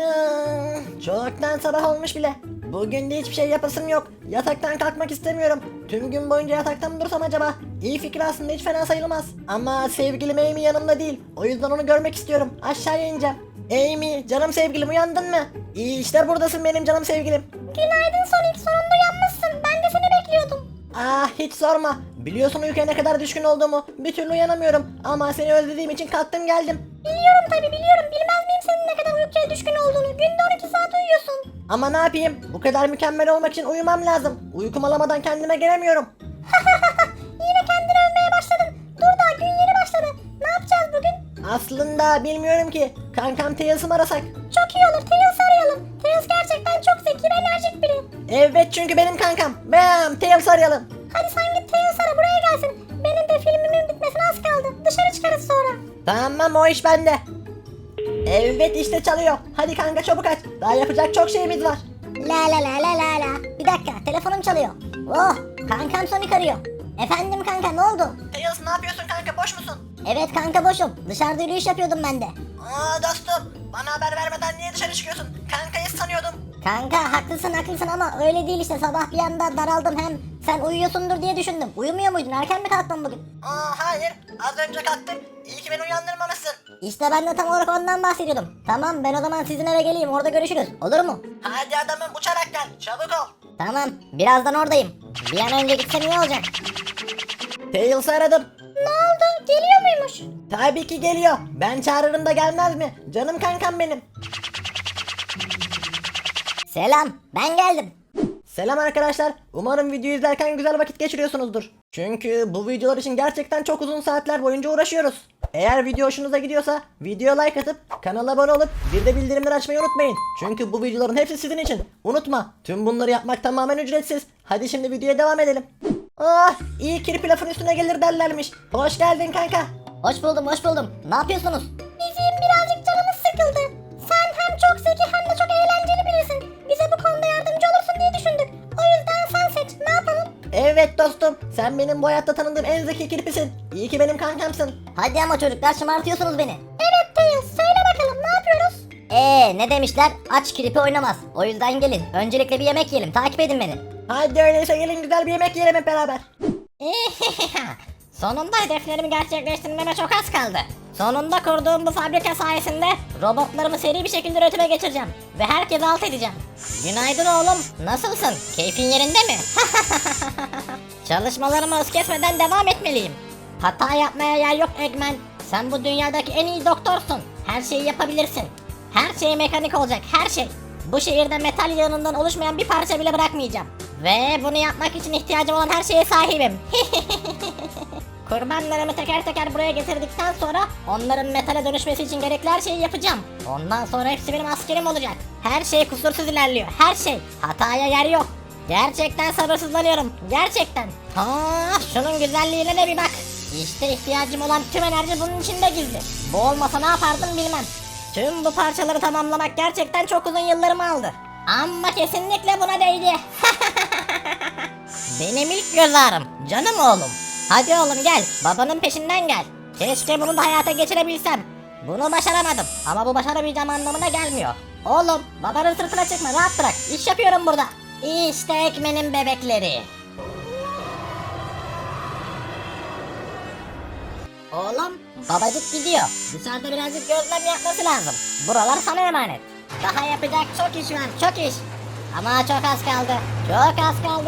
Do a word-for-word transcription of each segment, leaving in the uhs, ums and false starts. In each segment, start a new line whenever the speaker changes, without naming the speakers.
Hmm, çoktan sabah olmuş bile. Bugün de hiçbir şey yapasım yok. Yataktan kalkmak istemiyorum. Tüm gün boyunca yatakta mı dursam acaba? İyi fikir aslında, hiç fena sayılmaz. Ama sevgilim Amy yanımda değil. O yüzden onu görmek istiyorum. Aşağıya ineceğim. Amy, canım sevgilim, uyandın mı? İyi işte buradasın benim canım sevgilim.
Günaydın Sonic, sonunda uyanmışsın. Ben de seni bekliyordum.
Ah, hiç sorma. Biliyorsun uykuya ne kadar düşkün olduğumu. Bir türlü uyanamıyorum. Ama seni özlediğim için kalktım geldim.
Biliyorum tabi biliyorum. Bilmez miyim senin ne kadar uykuya düşkün olduğunu. Günde on iki saat uyuyorsun.
Ama ne yapayım? Bu kadar mükemmel olmak için uyumam lazım. Uykum alamadan kendime gelemiyorum.
Yine kendini övmeye başladın. Dur daha gün yeni başladı. Ne yapacağız bugün?
Aslında bilmiyorum ki. Kankam Tails'ı mı arasak?
Çok iyi olur. Tails'ı arayalım. Tails gerçekten çok zeki ve enerjik biri.
Evet, çünkü benim kankam. Bam, Tails'ı arayalım.
Hadi sen git Tails ara, buraya gelsin. Benim de filmimin bitmesine az kaldı. Dışarı çıkarız sonra.
Tamam, o iş bende. Evet, işte çalıyor. Hadi kanka çabuk aç. Daha yapacak çok şeyimiz var.
La la la la la la. Bir dakika, telefonum çalıyor. Oh, kankam Sonic arıyor. Efendim kanka, ne oldu?
Tails, ne yapıyorsun kanka, boş musun?
Evet kanka, boşum. Dışarıda yürüyüş yapıyordum ben de.
Aa dostum, bana haber vermeden niye dışarı çıkıyorsun? Kankayı sanıyordum.
Kanka haklısın haklısın ama öyle değil işte, sabah bir anda daraldım, hem sen uyuyorsundur diye düşündüm. Uyumuyor muydun, erken mi kalktın bugün?
Aa hayır, az önce kalktım. İyi ki beni uyandırmamışsın.
İşte ben de tam olarak ondan bahsediyordum. Tamam, ben o zaman sizin eve geleyim, orada görüşürüz, olur mu?
Hadi adamım, uçarak gel, çabuk ol.
Tamam, birazdan oradayım. Bir an önce gitsem iyi olacak.
Tails'ı aradım.
Ne oldu, geliyor muymuş?
Tabii ki geliyor. Ben çağırırım da gelmez mi? Canım kankam benim.
Selam, ben geldim.
Selam arkadaşlar. Umarım videoyu izlerken güzel vakit geçiriyorsunuzdur. Çünkü bu videolar için gerçekten çok uzun saatler boyunca uğraşıyoruz. Eğer video hoşunuza gidiyorsa videoya like atıp kanala abone olup bir de bildirimleri açmayı unutmayın. Çünkü bu videoların hepsi sizin için. Unutma, tüm bunları yapmak tamamen ücretsiz. Hadi şimdi videoya devam edelim. Ah, iyi kirpi lafın üstüne gelir derlermiş. Hoş geldin kanka.
Hoş buldum, hoş buldum. Ne yapıyorsunuz? Bizim birazcık canımız sıkıldı. Sen hem çok zeki hem de çok eğlenceli birisin. Bize bu konuda yardımcı olursun diye düşündük. O yüzden sen seç. Ne yapalım?
Evet dostum, sen benim bu hayatta tanıdığım en zeki kirpisin. İyi ki benim kankamsın.
Hadi ama çocuklar, şımartıyorsunuz beni. Evet Tails, söyle bakalım, ne yapıyoruz? Eee ne demişler? Aç kirpi oynamaz. O yüzden gelin. Öncelikle bir yemek yiyelim. Takip edin beni.
Hadi öyleyse gelin güzel bir yemek yiyelim hep beraber.
Sonunda hedeflerimi gerçekleştirmeme çok az kaldı. Sonunda kurduğum bu fabrika sayesinde robotlarımı seri bir şekilde üretime geçireceğim. Ve herkese alt edeceğim. Günaydın oğlum. Nasılsın? Keyfin yerinde mi? Çalışmalarıma hız kesmeden devam etmeliyim. Hata yapmaya yer yok Eggman. Sen bu dünyadaki en iyi doktorsun. Her şeyi yapabilirsin. Her şey mekanik olacak, her şey. Bu şehirde metal yığınından oluşmayan bir parça bile bırakmayacağım. Ve bunu yapmak için ihtiyacım olan her şeye sahibim. Kurbanlarımı teker teker buraya getirdikten sonra onların metale dönüşmesi için gerekli her şeyi yapacağım. Ondan sonra hepsi benim askerim olacak. Her şey kusursuz ilerliyor, her şey. Hataya yer yok. Gerçekten sabırsızlanıyorum, gerçekten. Ha, şunun güzelliğine de bir bak. İşte ihtiyacım olan tüm enerji bunun içinde gizli. Bu olmasa ne yapardım bilmem. Tüm bu parçaları tamamlamak gerçekten çok uzun yıllarımı aldı. Ama kesinlikle buna değdi. Benim ilk göz ağrım, canım oğlum. Hadi oğlum gel, babanın peşinden gel. Keşke bunu da hayata geçirebilsem. Bunu başaramadım ama bu başaramayacağım anlamına gelmiyor. Oğlum, babanın sırtına çıkma, rahat bırak. İş yapıyorum burada. İşte Ekmen'in bebekleri. Oğlum, babacık gidiyor. Dışarıda birazcık gözlem yapması lazım. Buralar sana emanet. Daha yapacak çok iş var, çok iş. Ama çok az kaldı, çok az kaldı.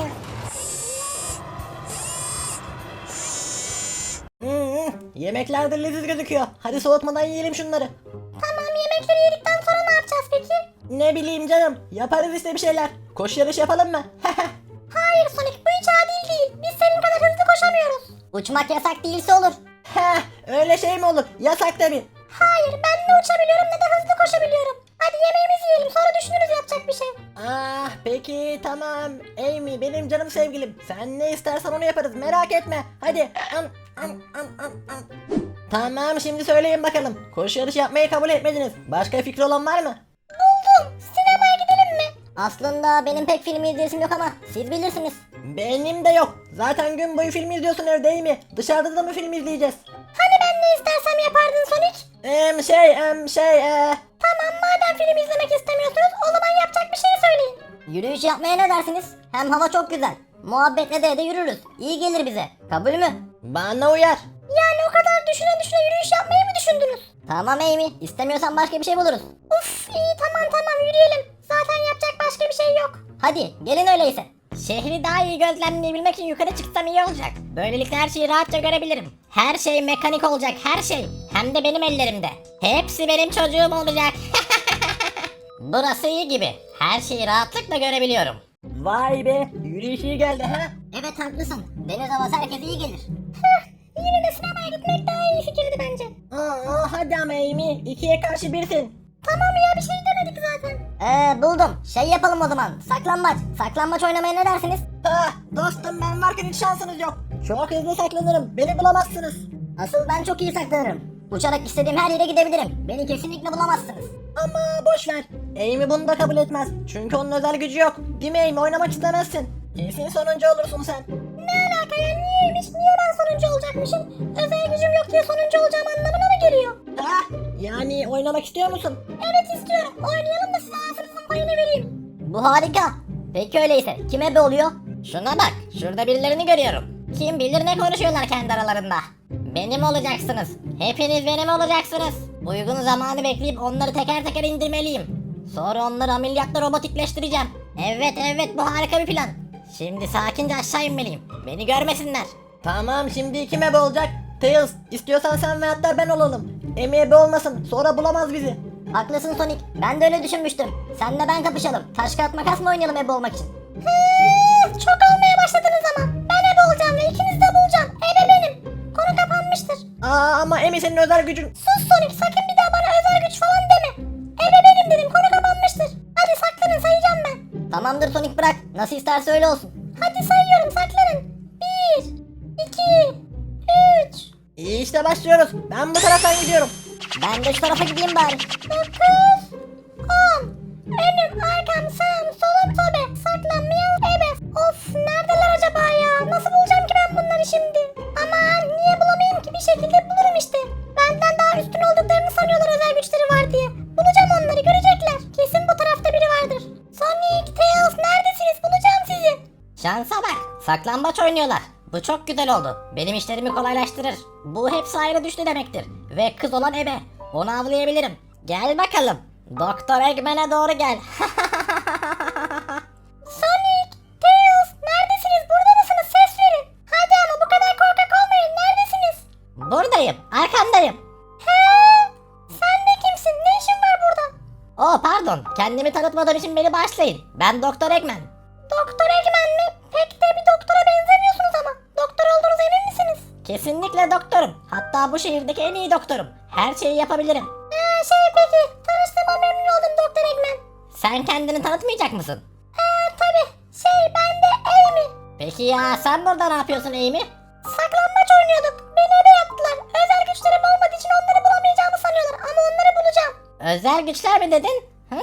Hmm, yemekler de leziz gözüküyor. Hadi soğutmadan yiyelim şunları.
Tamam, yemekleri yedikten sonra ne yapacağız peki?
Ne bileyim canım, yaparız işte bir şeyler. Koşu yarışı yapalım mı?
Hayır Sonic, bu hiç adil değil. Biz senin kadar hızlı koşamıyoruz. Uçmak yasak değilse olur.
Heh, öyle şey mi olur? Yasak tabii.
Hayır, ben ne uçabiliyorum ne de hızlı koşabiliyorum. Hadi yemeğimizi yiyelim, sonra düşünürüz yapacak bir şey.
Ah peki tamam. Amy benim canım sevgilim. Sen ne istersen onu yaparız, merak etme. Hadi. Am, am, am, am, am. Tamam, şimdi söyleyin bakalım. Koşu yarışı yapmayı kabul etmediniz. Başka fikri olan var mı?
Buldum, sinemaya gidelim mi? Aslında benim pek film izleyesim yok ama siz bilirsiniz.
Benim de yok. Zaten gün boyu film izliyorsun evde, değil mi? Dışarıda da mı film izleyeceğiz?
Hani ben ne istersem yapardın Sonic?
Em şey em şey e.
Tamam, madem film izlemek istersen Yürüyüş yapmaya ne dersiniz? Hem hava çok güzel. Muhabbetle de de yürürüz. İyi gelir bize. Kabul mü?
Bana uyar.
Yani o kadar düşüne düşüne yürüyüş yapmayı mı düşündünüz? Tamam Amy. İstemiyorsan başka bir şey buluruz. Uf iyi tamam tamam yürüyelim. Zaten yapacak başka bir şey yok. Hadi gelin öyleyse. Şehri daha iyi gözlemleyebilmek için yukarı çıksam iyi olacak. Böylelikle her şeyi rahatça görebilirim. Her şey mekanik olacak, her şey. Hem de benim ellerimde. Hepsi benim çocuğum olacak. Burası iyi gibi. Her şeyi rahatlıkla görebiliyorum.
Vay be, yürüyüş iyi geldi ha.
Evet haklısın. Deniz havası herkese iyi gelir. Yine de sinemaya gitmek daha iyi fikirdi bence.
Aa, hadi ama Amy, ikiye karşı birsin.
Tamam ya bir şey demedik zaten. Eee buldum. Şey yapalım o zaman. Saklambaç. Saklambaç oynamaya ne dersiniz?
Ha, dostum ben varken hiç şansınız yok. Çok hızlı saklanırım, beni bulamazsınız.
Asıl ben çok iyi saklanırım. Uçarak istediğim her yere gidebilirim. Beni kesinlikle bulamazsınız.
Ama boş ver. Amy bunu da kabul etmez. Çünkü onun özel gücü yok. Değil mi Amy? Oynamak istemezsin. Kesin sonuncu olursun sen.
Ne alaka ya? Niyeymiş? Niye ben sonuncu olacakmışım? Özel gücüm yok diye sonuncu olacağım anlamına mı geliyor?
Ha? Yani oynamak istiyor musun?
Evet istiyorum. Oynayalım da size ağzınızın payını vereyim. Bu harika. Peki öyleyse kim ebe oluyor? Şuna bak. Şurada birilerini görüyorum. Kim bilir ne konuşuyorlar kendi aralarında. Benim olacaksınız. Hepiniz benim olacaksınız. Uygun zamanı bekleyip onları teker teker indirmeliyim. Sonra onları ameliyatla robotikleştireceğim. Evet evet bu harika bir plan. Şimdi sakince aşağı inmeliyim. Beni görmesinler.
Tamam, şimdi kim ebe olacak? Tails, istiyorsan sen ve hatta ben olalım. Amy ebe olmasın, sonra bulamaz bizi.
Haklısın Sonic. Ben de öyle düşünmüştüm. Senle ben kapışalım. Taş kağıt makas mı oynayalım ebe olmak için? Çok olmaya başladınız ama. Ben ebe olacağım ve ikinizi de bulacağım. Ebe benim. Konu kapanmıştır.
Aa, ama Amy senin özel gücün.
Sus Sonic sakın bir daha bana özel güç falan deme. Ebe benim dedim konu kapanmıştır. Hadi saklanın sayacağım ben. Tamamdır Sonic bırak. Nasıl isterse öyle olsun. Hadi sayıyorum saklanın. Bir, iki, üç.
İyi işte başlıyoruz. Ben bu taraftan gidiyorum.
Ben de şu tarafa gideyim bari. Dokuz, on. Önüm, arkam, sağım, solum, sobe. Saklanmayalım ebe. Of neredeler acaba ya? Nasıl bulacağım ki ben bunları şimdi? Aman niye bulamayayım ki? Bir şekilde bulurum işte. Benden daha üstün olduklarını sanıyorlar özel güçleri var diye. Bulacağım onları görecekler. Kesin bu tarafta biri vardır. Sonic, Tails neredesiniz? Bulacağım sizi. Şansa bak. Saklambaç oynuyorlar. Bu çok güzel oldu. Benim işlerimi kolaylaştırır. Bu hepsi ayrı düştü demektir. Ve kız olan ebe. Onu avlayabilirim. Gel bakalım. Doktor Eggman'e doğru gel. Sonic, Tails neredesiniz? Burada mısınız? Ses verin. Hadi ama bu kadar korkak olmayın. Neredesiniz? Buradayım. Arkandayım. He? Sen de kimsin? Ne işin var burada? Oh pardon. Kendimi tanıtmadığım için beni bağışlayın. Ben Doktor Eggman. Doktor Eggman mi? Pek de bir doktora benzemiyorsunuz ama. Doktor olduğunuz emin misiniz? Kesinlikle doktorum. Hatta bu şehirdeki en iyi doktorum. Her şeyi yapabilirim. Ee, şey peki. Tanıştığıma memnun oldum Doktor Eggman. Sen kendini tanıtmayacak mısın? Ee, tabi. Şey ben de Amy. Peki ya sen burada ne yapıyorsun Amy? Saklambaç oynuyorduk. Beni ebe yaptılar. Özel güçlerim olmadığı için onları bulamayacağımı sanıyorlar. Ama onları bulacağım. Özel güçler mi dedin?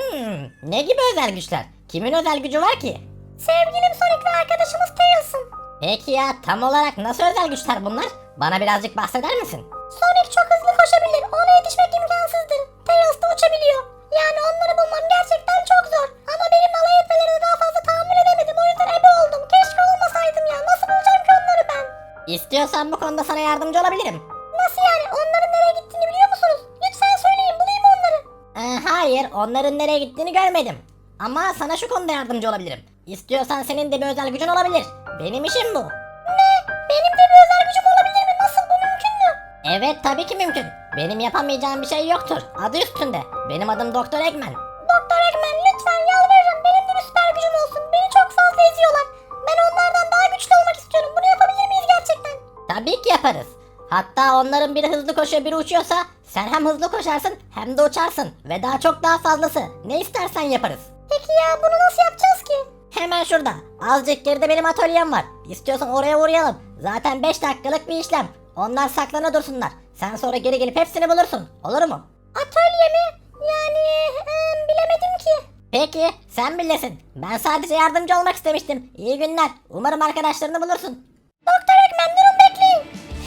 Hmm, ne gibi özel güçler? Kimin özel gücü var ki? Sevgilim Sonic ve arkadaşımız Tails'ın. Peki ya tam olarak nasıl özel güçler bunlar? Bana birazcık bahseder misin? Sonic çok hızlı koşabilir. Ona yetişmek imkansızdır. Tails da uçabiliyor. Yani onları bulmam gerçekten çok zor. Ama benim alay etmelerine daha fazla tahammül edemedim. O yüzden ebe oldum. Keşke olmasaydım ya. Nasıl bulacağım ki onları ben? İstiyorsan bu konuda sana yardımcı olabilirim. Nasıl yani? Onların nereye gittiğini biliyor musunuz? Lütfen söyleyin bulayım onları. Ee, hayır onların nereye gittiğini görmedim. Ama sana şu konuda yardımcı olabilirim. İstiyorsan senin de bir özel gücün olabilir. Benim işim bu. Ne? Benim de bir özel gücüm olabilir mi? Nasıl bu mümkün mü? Evet tabii ki mümkün. Benim yapamayacağım bir şey yoktur. Adı üstünde. Benim adım Doktor Eggman. Doktor Eggman lütfen yalvarırım. Benim de bir süper gücüm olsun. Beni çok fazla eziyorlar. Ben onlardan daha güçlü olmak istiyorum. Bunu yapabilir miyiz gerçekten? Tabii ki yaparız. Hatta onların biri hızlı koşuyor biri uçuyorsa sen hem hızlı koşarsın hem de uçarsın. Ve daha çok daha fazlası. Ne istersen yaparız. Peki ya bunu nasıl yapacağız ki? Hemen şurada. Azıcık geride benim atölyem var. İstiyorsan oraya uğrayalım. Zaten beş dakikalık bir işlem. Onlar saklana dursunlar. Sen sonra geri gelip hepsini bulursun. Olur mu? Atölye mi? Yani e, bilemedim ki. Peki sen bilirsin. Ben sadece yardımcı olmak istemiştim. İyi günler. Umarım arkadaşlarını bulursun. Doktor Eggman durun bekleyin.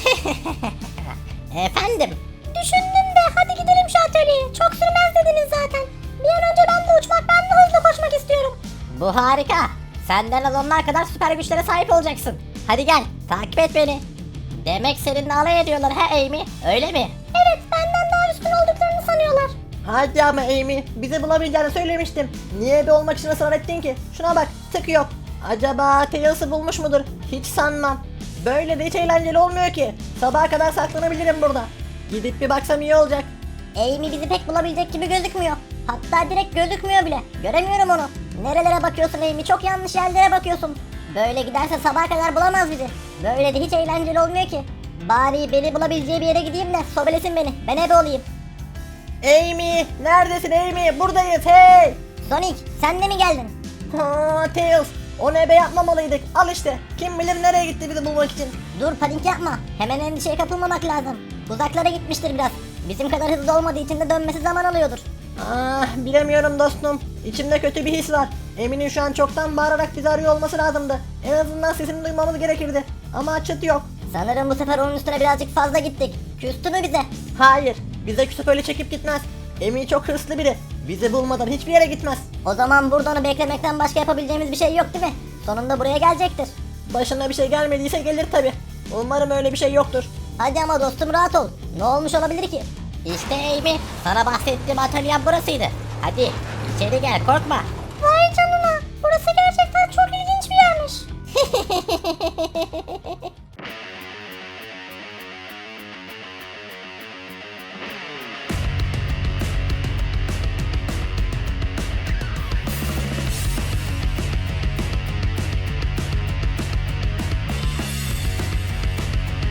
Efendim? Düşündüm de hadi gidelim şu atölyeye. Çok sürmez dediniz zaten. Bir an önce ben de uçmak ben de hızlı koşmak istiyorum. Bu harika. Senden az onlar kadar süper güçlere sahip olacaksın. Hadi gel, takip et beni. Demek seninle alay ediyorlar ha Amy, öyle mi? Evet, benden daha üstün olduklarını sanıyorlar.
Hadi ama Amy, bizi bulamayacağını söylemiştim. Niye bir olmak için ısrar ettin ki? Şuna bak, tık yok. Acaba Tails'ı bulmuş mudur? Hiç sanmam. Böyle de hiç eğlenceli olmuyor ki. Sabaha kadar saklanabilirim burada. Gidip bir baksam iyi olacak.
Amy bizi pek bulabilecek gibi gözükmüyor. Hatta direkt gözükmüyor bile. Göremiyorum onu. Nerelere bakıyorsun Amy? Çok yanlış yerlere bakıyorsun. Böyle giderse sabaha kadar bulamaz bizi. Böyle de hiç eğlenceli olmuyor ki. Bari beni bulabileceği bir yere gideyim de sobelesin beni. Ben ebe olayım.
Amy, neredesin Amy? Buradayız, hey!
Sonic, sen de mi geldin?
Ha, Tails, o ne be yapmamalıydık. Al işte. Kim bilir nereye gitti bizi bulmak için.
Dur, panik yapma. Hemen endişeye kapılmamak lazım. Uzaklara gitmiştir biraz. Bizim kadar hızlı olmadığı için de dönmesi zaman alıyordur.
Ah, bilemiyorum dostum. İçimde kötü bir his var. Emin'in şu an çoktan bağırarak bizi arıyor olması lazımdı. En azından sesini duymamız gerekirdi. Ama çıt yok.
Sanırım bu sefer onun üstüne birazcık fazla gittik. Küstü mü bize?
Hayır, bize küsüp öyle çekip gitmez. Emin çok hırslı biri. Bizi bulmadan hiçbir yere gitmez.
O zaman burada onu beklemekten başka yapabileceğimiz bir şey yok değil mi? Sonunda buraya gelecektir.
Başına bir şey gelmediyse gelir tabi. Umarım öyle bir şey yoktur.
Hadi ama dostum, rahat ol. Ne olmuş olabilir ki? İşte Amy, sana bahsettiğim atölyem burasıydı. Hadi içeri gel, korkma. Vay canına, burası gerçekten çok ilginç bir yermiş.